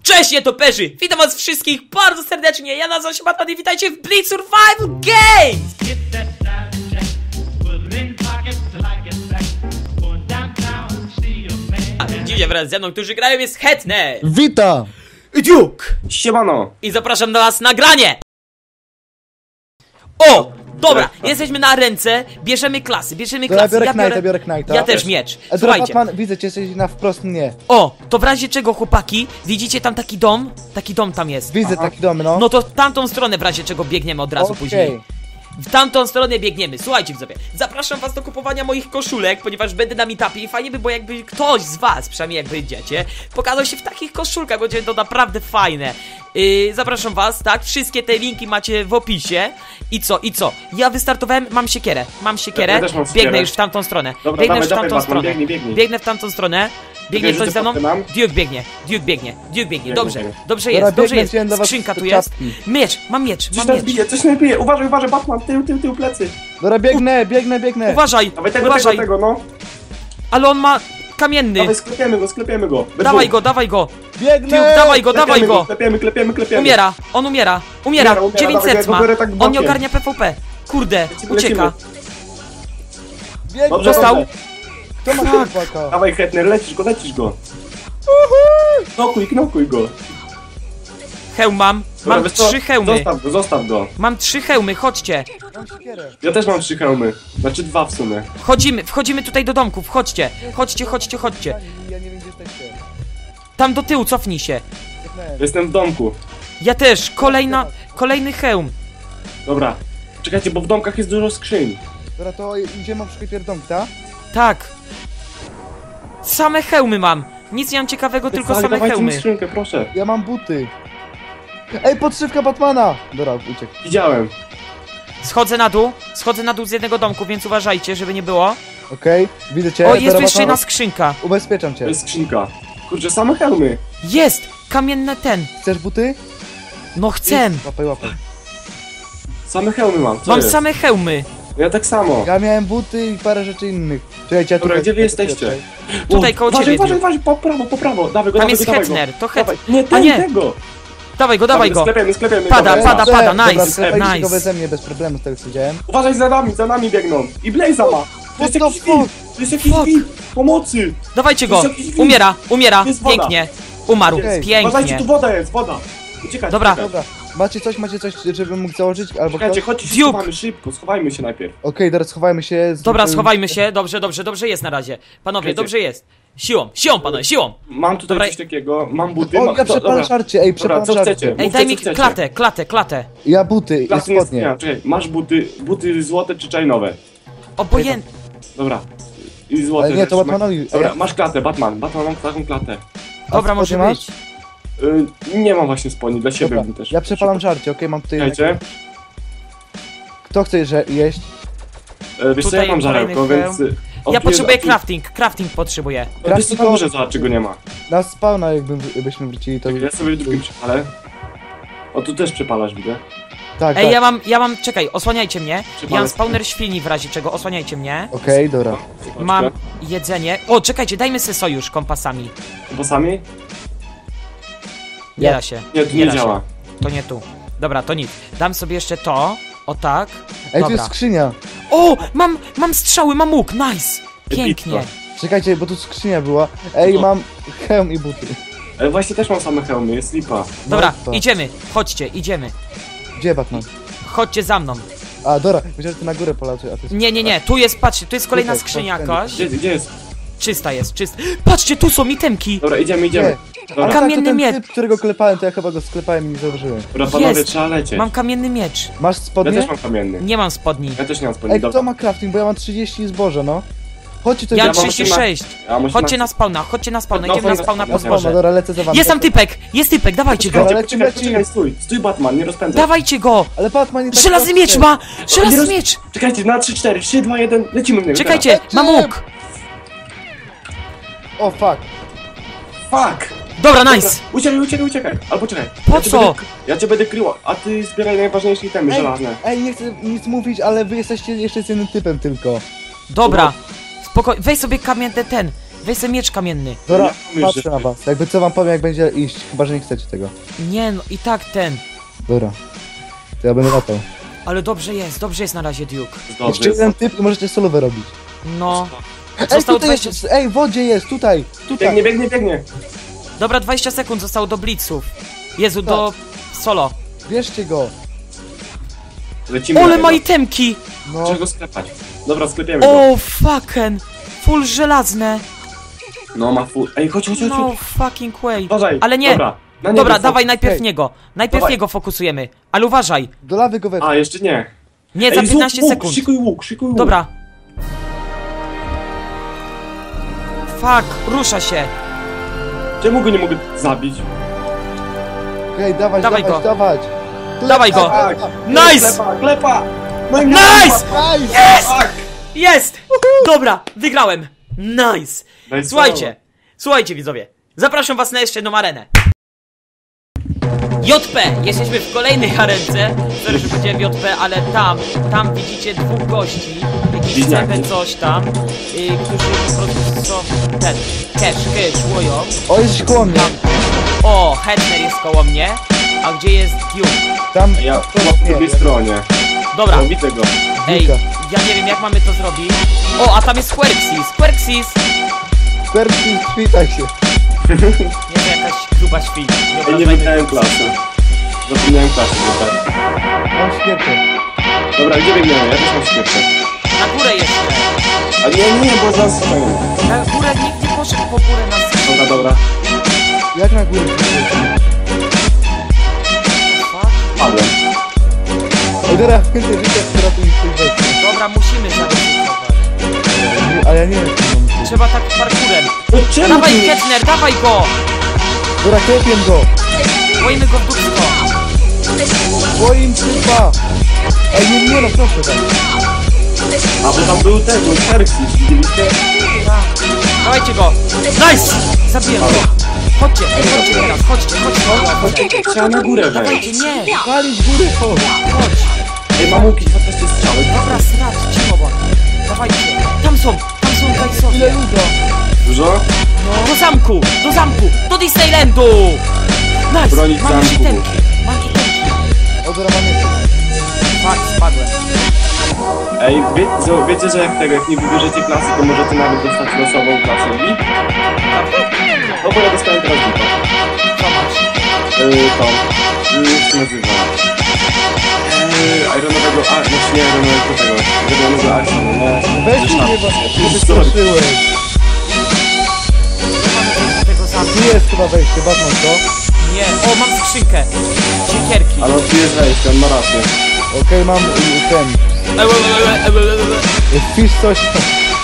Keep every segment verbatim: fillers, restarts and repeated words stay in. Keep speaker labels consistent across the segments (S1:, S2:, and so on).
S1: Cześć nietoperzy! Witam was wszystkich bardzo serdecznie, ja nazywam się Batman i witajcie w Blitz Survival Games! A dzisiaj wraz ze mną, którzy grają, jest Hetner!
S2: Witam!
S1: I Duke!
S3: Siemano!
S1: I zapraszam do was nagranie! O! Dobra, jesteśmy na ręce, bierzemy klasy, bierzemy
S2: Dobra,
S1: klasy.
S2: biorę
S1: Ja
S2: Knighta,
S1: biorę,
S2: biorę Knighta.
S1: ja też miecz.
S2: A
S1: Słuchajcie.
S2: Batman, widzę cię, jesteś na wprost mnie.
S1: O, to w razie czego, chłopaki, widzicie tam taki dom? Taki dom tam jest.
S2: Widzę
S3: Aha.
S2: taki dom, no.
S1: No to w tamtą stronę w razie czego biegniemy od razu
S2: Okej.
S1: później. W tamtą stronę biegniemy. Słuchajcie widzowie, zapraszam was do kupowania moich koszulek, ponieważ będę na meetupie i fajnie by było, jakby ktoś z was, przynajmniej jak wyjdziecie, pokazał się w takich koszulkach, bo będzie to naprawdę fajne. Yy, zapraszam was, tak? Wszystkie te linki macie w opisie. I co, i co? Ja wystartowałem, mam siekierę, mam siekierę,
S3: Ja- ja też mam siekierę.
S1: biegnę już w tamtą stronę.
S3: Dobra,
S1: biegnę
S3: dawaj,
S1: już w tamtą
S3: dawaj, Batman,
S1: stronę.
S3: biegnij, biegnij.
S1: Biegnę w tamtą stronę. Biegnie
S3: Czekaj,
S1: ktoś
S3: że
S1: za mną?
S3: to mam.
S1: Duke biegnie, Duke biegnie, Duke biegnie, dobrze,
S3: biegnie.
S1: dobrze
S2: Dobra,
S1: jest, dobrze
S2: biegnę,
S1: jest.
S2: wziąłem dla was
S1: Skrzynka tu jest.
S2: ciastki.
S1: Miecz, mam miecz,
S3: Coś
S1: mam
S3: nas
S1: miecz.
S3: bije, coś nas bije! Uważaj, uważaj, Batman! Tył, tył, tył, plecy!
S2: Dobra, biegnę, biegnę, biegnę.
S1: Uważaj,
S3: Dawaj tego,
S1: uważaj,
S3: tego, tego, no!
S1: ale on ma kamienny.
S3: Dawaj, sklepiemy go, sklepiemy go! Bez
S1: Dawaj
S3: dwóch.
S1: go, dawaj go.
S2: Biegnę!
S1: Duke, dawaj go, dawaj
S3: Klepiemy
S1: go.
S3: Klepiemy, klepiemy, klepiemy!
S1: Umiera, on umiera, umiera,
S3: Umiera, umiera,
S1: dziewięć
S3: dawaj,
S1: set
S3: ja
S1: ma.
S3: go biorę tak
S1: On nie
S3: bokiem.
S1: ogarnia P V P. Kurde,
S3: Lecimy,
S1: ucieka.
S3: lecimy.
S2: Biegnę!
S3: Dobrze,
S1: Dostał?
S3: dobrze.
S2: Kto ma chłopaka?
S3: Dawaj, Hetner, lecisz go, lecisz go! Knokuj, knokuj go!
S1: Hełm mam,
S3: Dobra,
S1: mam
S3: wiesz co?
S1: trzy hełmy.
S3: Zostaw go, zostaw go!
S1: Mam trzy hełmy, chodźcie.
S2: Mam siekierę.
S3: Ja też mam trzy hełmy. Znaczy dwa w sumie.
S1: Wchodzimy, wchodzimy tutaj do domków, chodźcie. Chodźcie, chodźcie, chodźcie.
S2: Ja nie wiem, gdzie jesteście.
S1: Tam do tyłu, cofnij się.
S2: Biegnę.
S3: Jestem w domku.
S1: Ja też, kolejna, kolejny hełm.
S3: Dobra. Czekajcie, bo w domkach jest dużo skrzyń.
S2: Dobra, to idziemy na przykład pierdolę, tak?
S1: Tak. Same hełmy mam. Nic nie mam ciekawego, tylko
S3: Dawaj,
S1: same
S3: dawajcie mi
S1: hełmy.
S3: skrzynkę, proszę.
S2: Ja mam buty. Ej, podszywka Batmana! Dobra, uciekł.
S3: Widziałem.
S1: Schodzę na dół, schodzę na dół z jednego domku, więc uważajcie, żeby nie było.
S2: Okej, widzę cię.
S1: O, jest
S2: Dobra,
S1: tu jeszcze
S2: Batman,
S1: jedna skrzynka.
S2: Ubezpieczam
S3: To
S2: cię.
S3: jest skrzynka. Kurczę, same hełmy.
S1: Jest! Kamienne ten.
S2: Chcesz buty?
S1: No chcę.
S2: Łapaj, łapaj.
S3: Same hełmy mam. Co
S1: Mam
S3: jest?
S1: same hełmy.
S3: Ja tak samo.
S2: Ja miałem buty i parę rzeczy innych. Czekajcie, ja
S3: Dobra,
S2: tutaj-
S3: gdzie wy jesteście?
S1: Tutaj
S3: O,
S1: koło
S3: uważaj,
S1: ciebie,
S3: Uważaj,
S1: Duke.
S3: uważaj, po prawo, po prawo. Dawaj go,
S1: Tam
S3: dawaj
S1: jest
S3: go, dawaj go.
S1: Hetner, to
S3: Dawaj.
S1: Het...
S3: Nie, ten,
S1: nie.
S3: tego.
S1: Dawaj go, dawaj go.
S3: Sklepiemy, sklepiemy.
S1: Pada,
S3: dawaj.
S1: pada, pada,
S2: Dobra,
S1: nice,
S2: sklepajcie go
S1: nice.
S2: beze mnie, bez problemu, z tego co widziałem.
S3: Uważaj za nami, za nami biegną. I Blaze'a ma. To jest
S2: What the
S3: jakiś
S2: fuck?
S3: wilk. To jest jakiś
S1: Fuck.
S3: wilk. Pomocy.
S1: Dawajcie go.
S3: To jest jakiś wilk.
S1: Umiera, umiera.
S3: Jest woda.
S1: Pięknie. Umarł,
S2: Okej.
S3: Uważajcie,
S1: pięknie.
S3: tu woda jest, woda. Uciekać,
S1: Dobra.
S3: uciekać.
S2: Dobra, macie coś, macie coś, żebym mógł założyć, albo
S3: Czekajcie,
S2: kto?
S3: chodźcie się
S1: Duke.
S3: schowamy szybko, schowajmy się najpierw.
S2: Okej, teraz schowajmy się. z-
S1: Dobra,
S2: z-
S1: schowajmy się. Dobrze, dobrze, dobrze jest na razie. Panowie,
S3: Czekajcie.
S1: dobrze jest. Siłą, siłą, panowie, siłą.
S3: Mam tutaj
S1: Dobra.
S3: coś takiego, mam buty.
S2: O,
S3: mam...
S2: ja
S3: do-
S2: przepalam
S3: dobra.
S2: żarcie, ej,
S3: Dobra,
S2: przepalam
S3: co
S2: żarcie.
S3: chcecie?
S1: Ej,
S3: Mówcie,
S1: daj
S3: co
S1: mi
S3: chcecie.
S1: klatę, klatę, klatę.
S2: Ja buty i
S3: Klasy nie
S2: spodnie.
S3: istnieją, czekaj, masz buty, buty złote czy czajnowe?
S1: Obojętnie.
S3: Dobra. I złote
S2: Ale nie, to
S3: rzeczy.
S2: Batmanowi.
S3: Dobra,
S2: Ej,
S3: masz klatę, Batman, Batman mam taką klatę.
S2: a
S1: Dobra, może
S2: spodnie masz?
S1: być.
S3: Y, nie mam właśnie spodni, dla siebie
S2: Dobra,
S3: bym też.
S2: ja przepalam żarcie, okej, mam tutaj...
S3: Czekajcie,
S2: Kto chce że jeść?
S3: y, wiesz co,
S1: Tutaj
S3: ja mam żarełko,
S1: kolejny
S3: więc... y,
S1: Ja
S3: odpier-
S1: potrzebuję
S3: odpier-
S1: crafting, crafting potrzebuję.
S3: No, wiesz co, na górze zobacz, czego nie ma.
S2: Na spawna jakbym, jakbyśmy wrócili, to...
S3: Ja sobie w drugim przepalę. O, tu też przepalasz, widzę.
S2: Tak,
S1: Ej,
S2: tak.
S1: ja mam, ja mam, czekaj, osłaniajcie mnie. Ja
S3: Przypalę.
S1: mam spawner świni w razie czego, osłaniajcie mnie.
S2: Okej, dobra.
S1: Mam jedzenie. O, czekajcie, dajmy sobie sojusz kompasami.
S3: Kompasami?
S1: Nie
S2: Ja-
S1: da się.
S3: Nie, tu nie
S1: da się.
S3: działa.
S1: To nie tu. Dobra, to nic. Dam sobie jeszcze to. O tak.
S2: Ej, tu
S1: Dobra.
S2: jest skrzynia.
S1: O, mam, mam strzały, mam łuk, nice. Pięknie.
S3: Epicko.
S2: Czekajcie, bo tu skrzynia była. Ej,
S3: No.
S2: mam hełm i buty.
S3: Ale właśnie też mam same hełmy, jest lipa.
S1: Dobra,
S2: No to.
S1: idziemy. Chodźcie, idziemy.
S2: Gdzie Batman?
S1: Chodźcie za mną.
S2: A, dobra, myślałem, że ty na górę polaczy, a ty...
S1: Nie, nie, nie, tu jest, patrzcie, tu jest kolejna
S2: Tutaj,
S1: skrzynia
S2: chodź,
S1: jakaś.
S3: Gdzie, gdzie jest?
S1: Czysta jest, czysta. Patrzcie, tu są itemki.
S3: Dobra, idziemy, idziemy.
S2: Nie.
S3: Dobra,
S2: Ale
S1: Kamienny
S2: tak, to ten
S1: miecz.
S2: typ, którego klepałem, to ja chyba go sklepałem i nie zauważyłem.
S3: Dobra, panowie,
S1: Jest.
S3: trzeba lecieć.
S1: Mam kamienny miecz.
S2: Masz
S3: Ja
S2: spodnie?
S3: też mam kamienny.
S1: Nie mam spodni.
S3: Ja też nie mam spodni,
S2: Ej,
S3: dobra.
S2: kto ma crafting, bo ja mam trzydzieści zboża, no. Chodźcie to
S1: Ja mam
S3: mam
S1: trzydzieści sześć.
S3: Ja mam
S1: Chodźcie
S3: osiemnaście.
S1: na spawna, chodźcie na spawna,
S3: No,
S1: idziemy na
S3: no,
S1: spawna
S3: no,
S1: po
S3: no,
S2: Spawna,
S1: zboże.
S2: dobra, lecę za wami.
S1: Jest tam typek, jest typek, dawajcie go.
S2: Dobra,
S3: Czekaj,
S2: lecimy,
S3: czekaj,
S2: lecimy.
S3: czekaj, stój, stój Batman, nie rozpędzaj.
S1: Dawajcie go.
S2: Ale Batman nie tak
S1: Żelazny
S2: proste.
S1: miecz ma,
S3: Nie
S1: żelazny
S3: roz-
S1: miecz.
S3: Czekajcie, na trzy, cztery, trzy, dwa, jeden, lecimy w niego.
S1: Czekajcie,
S2: Lecimy.
S1: mam łuk.
S2: O, fuck.
S3: Fuck!
S1: Dobra,
S3: Dobra,
S1: nice.
S3: uciekaj, uciekaj, uciekaj. Albo czekaj.
S1: Po
S3: ja cię
S1: co?
S3: Będę, ja cię będę kryła, a ty zbieraj najważniejsze itemy
S2: Ej,
S3: żelazne.
S2: ej, nie chcę nic mówić, ale wy jesteście jeszcze z jednym typem tylko.
S1: Dobra, spokojnie, weź sobie kamienny ten. Weź sobie miecz kamienny.
S2: Dobra,
S3: Ja myślę,
S2: patrzę na was. Jakby co wam powiem, jak będzie iść. Chyba, że nie chcecie tego.
S1: Nie no, i tak ten.
S2: Dobra. To ja będę latał.
S1: Ale dobrze jest, dobrze jest na razie, Duke.
S3: Dobrze
S2: Jeszcze
S3: jest.
S2: jeden typ i możecie solówę robić.
S1: No.
S2: Ej,
S1: Zostało
S2: tutaj
S1: dwadzieścia...
S2: jest, ej, w wodzie jest, tutaj, tutaj.
S3: Biegnie, biegnie, biegnie.
S1: Dobra, dwadzieścia sekund zostało do blitzów. Jezu,
S2: Tak.
S1: do solo.
S2: Bierzcie go.
S3: Lecimy
S1: Ole
S3: na
S1: ma
S3: niego.
S1: itemki!
S2: No,
S3: Trzeba go sklepać. Dobra, sklepiemy go.
S1: O, fucking. Full żelazne.
S3: No, ma full. Ej, chodź, chodź, chodź.
S1: No
S3: chodź.
S1: fucking way.
S3: Uważaj.
S1: Ale nie.
S3: Dobra, na niego
S1: Dobra,
S3: fokus.
S1: dawaj najpierw
S2: Hej.
S1: niego. Najpierw
S3: Dawaj.
S1: niego fokusujemy. Ale uważaj.
S2: do lawy go weź.
S3: A, jeszcze nie.
S1: Nie,
S3: Ej,
S1: za
S3: zrób
S1: piętnaście
S3: łuk,
S1: sekund.
S3: Szykuj łuk, szykuj łuk.
S1: Dobra. Fuck, rusza się.
S3: Czemu go nie mogę zabić?
S2: Ej, dawać,
S1: Dawaj
S2: dawać,
S1: go.
S2: dawać.
S1: Dawaj go.
S3: Tak.
S1: Nice!
S3: Klepa, klepa. No i
S1: Nice!
S2: Nice!
S1: Jest!
S3: Tak.
S1: Jest! Dobra, wygrałem. Nice.
S3: Daj
S1: Słuchajcie, słuchajcie widzowie. Zapraszam was na jeszcze jedną arenę. J P, jesteśmy w kolejnej arence. Sorry, że powiedziałem J P, ale tam, tam widzicie dwóch gości. Jakiś
S3: Bliźniaki.
S1: cepę coś tam, y, którzy po prostu są ten, cash, cash, łoją.
S2: O, jest koło mnie.
S1: O, Hedner jest koło mnie. A gdzie jest Duke?
S2: Tam,
S3: Ja
S2: to
S3: chyba po
S2: nie,
S3: drugiej
S2: ja-
S3: stronie.
S1: Dobra,
S3: No, widzę go.
S1: ej,
S2: Duke'a.
S1: ja nie wiem jak mamy to zrobić. O, a tam jest Querxis, Querxis!
S2: Percy, witaj się.
S1: Nie wiem, jakaś gruba świn. Nie
S3: Ej, nie
S1: obrażajmy.
S3: widziałem klasy. Zapomniałem klasy, że tak.
S2: Mam świetnie.
S3: Dobra, gdzie biegniemy? Ja też mam świetne.
S1: Na górę jeszcze.
S3: A nie, nie, bo zaraz stoją.
S1: Na górę nikt nie poszedł po górę na skrzydło.
S3: Dobra, dobra.
S2: Jak na górę?
S3: Padłem.
S2: Ej, dobra, więcej życia ratuj w tej wersji.
S1: Dobra, musimy zaryzykować.
S2: Ale ja nie wiem, co mam.
S1: Trzeba tak parkurem.
S3: No czemu
S1: Dawaj
S3: ty-
S1: Ketner, dawaj go!
S2: Dobra, klepię go.
S1: Boimy go w dupsko.
S2: Moim typa. Ej, nie, nie no, proszę tak.
S3: A, bo tam był ten, był Xerxes, widzieliście?
S1: Dawajcie go! Nice! Zabiję go! Chodźcie, chodźcie teraz, chodźcie, chodźcie, chodźcie.
S3: Trzeba na górę
S1: Dawajcie,
S3: wejść.
S1: nie!
S2: Walić góry, chodź.
S1: Chodź!
S3: Ej, mam łuki, dwanaście strzały.
S1: Dobra, srać, cicho bo. Dawajcie. Tam są, tam są
S2: Ile
S1: gajsowie.
S2: ludzi?
S3: Dużo?
S1: Do zamku, do zamku, do Disneylandu! Nice!
S3: Bronić
S1: Mam już
S3: zamku.
S1: itemki, mam itemki.
S2: O, dobra, mam jeszcze.
S1: Fuck, spadłem.
S3: Ej, wie, co, wiecie, że jak tego, jak nie wybierzecie klasy, to możecie nawet dostać losową klasę i? No bo ja dostałem teraz tylko.
S1: Co masz?
S3: Yy, to. Yy, jak się nazywa? Yy, Ironowego, a, znaczy nie Ironowego tego. Ironowego Arsonu, no.
S2: Weź
S3: Zresztą-
S2: mnie, bo się
S3: Sorry.
S2: wystraszyłeś.
S1: Do tego zamku.
S2: Tu jest chyba wejście, Batman, co?
S1: Nie, o, mam skrzynkę. Siekierki.
S3: Ale on tu jest wejście, on ma rację.
S2: Okej, mam y, ten.
S1: Ewe, ewe, ewe, ewe, ewe.
S2: Wpisz coś tam.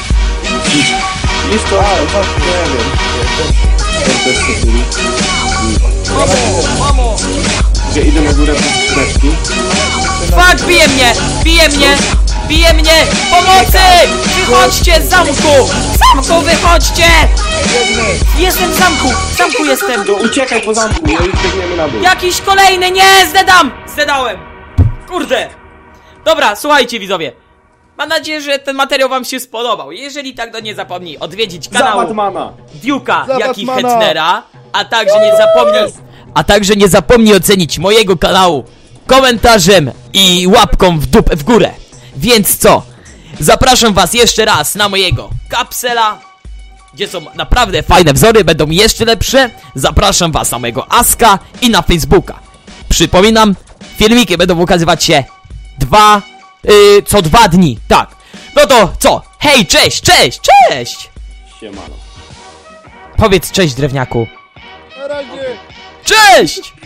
S3: Jest to,
S2: A, właśnie.
S3: nie wiem. To też to byli.
S1: Mamo, mamo.
S3: Gdzie idę na górę po skrzyneczki.
S1: Fuck, bije mnie, bije mnie, bije mnie. Pomocy! Wychodźcie z zamku! Z zamku wychodźcie! Jestem w zamku, w zamku jestem.
S3: To uciekaj po zamku, no i biegniemy na dół.
S1: Jakiś kolejny, nie, zdedam! Zdedałem! Kurde! Dobra, słuchajcie widzowie. Mam nadzieję, że ten materiał wam się spodobał. Jeżeli tak, to nie zapomnij odwiedzić
S3: Za
S1: kanału
S3: Batmana!
S1: Duke'a,
S2: Za
S1: jak i
S2: Batmana.
S1: Hetnera, a także nie zapomnij, a także nie zapomnij ocenić mojego kanału komentarzem i łapką w dupę w górę. Więc co? Zapraszam was jeszcze raz na mojego kapsela, gdzie są naprawdę fajne wzory, będą jeszcze lepsze. Zapraszam was na mojego Aska i na Facebooka. Przypominam, filmiki będą ukazywać się dwa, yy, co dwa dni, tak. No to co? Hej, cześć, cześć, cześć!
S3: Siemano.
S1: Powiedz cześć, drewniaku.
S2: Na razie.
S1: Cześć!